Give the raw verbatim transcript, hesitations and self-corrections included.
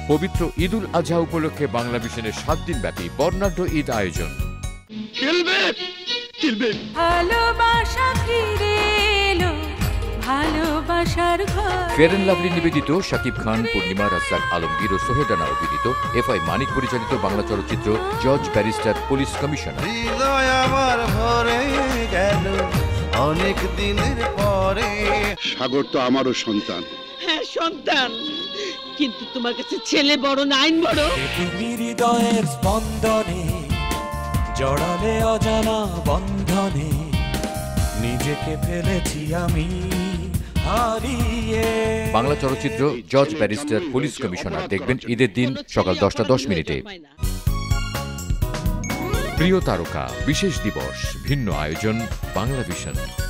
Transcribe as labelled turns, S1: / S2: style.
S1: পবিত্র ঈদ উল আজহা উপলক্ষে বাংলা ভিশনের সাত দিন ব্যাপী বর্ণাঢ্য ঈদ আয়োজন।
S2: ভালোবাসা ফিরে এলো, ভালোবাসার ঘর।
S1: ফেয়ার অ্যান্ড লাভলি নিবেদিত শাকিব খান, পূর্ণিমা, রাজ্জাক আলমগীর ও সোহেল রানা অভিনীত এফ আই মানিক পরিচালিত বাংলা চলচ্চিত্র জজ ব্যারিস্টার পুলিশ কমিশনার।
S3: অনেক দিনের পরে
S4: সাগর তো আমারও সন্তান।
S5: হ্যাঁ সন্তান, কিন্তু তোমার কাছে ছেলে বড় না আইন বড়।
S6: তুমি হৃদয়ের স্পন্দনে জড়ালে অজানা বন্ধনে, নিজেকে ফেলেছি আমি হারিয়ে।
S1: বাংলা চলচ্চিত্র জজ ব্যারিস্টার পুলিশ কমিশনার দেখবেন ঈদের দিন সকাল দশটা দশ মিনিটে। প্রিয় তারকা বিশেষ দিবস, ভিন্ন আয়োজন, বাংলা ভিশন।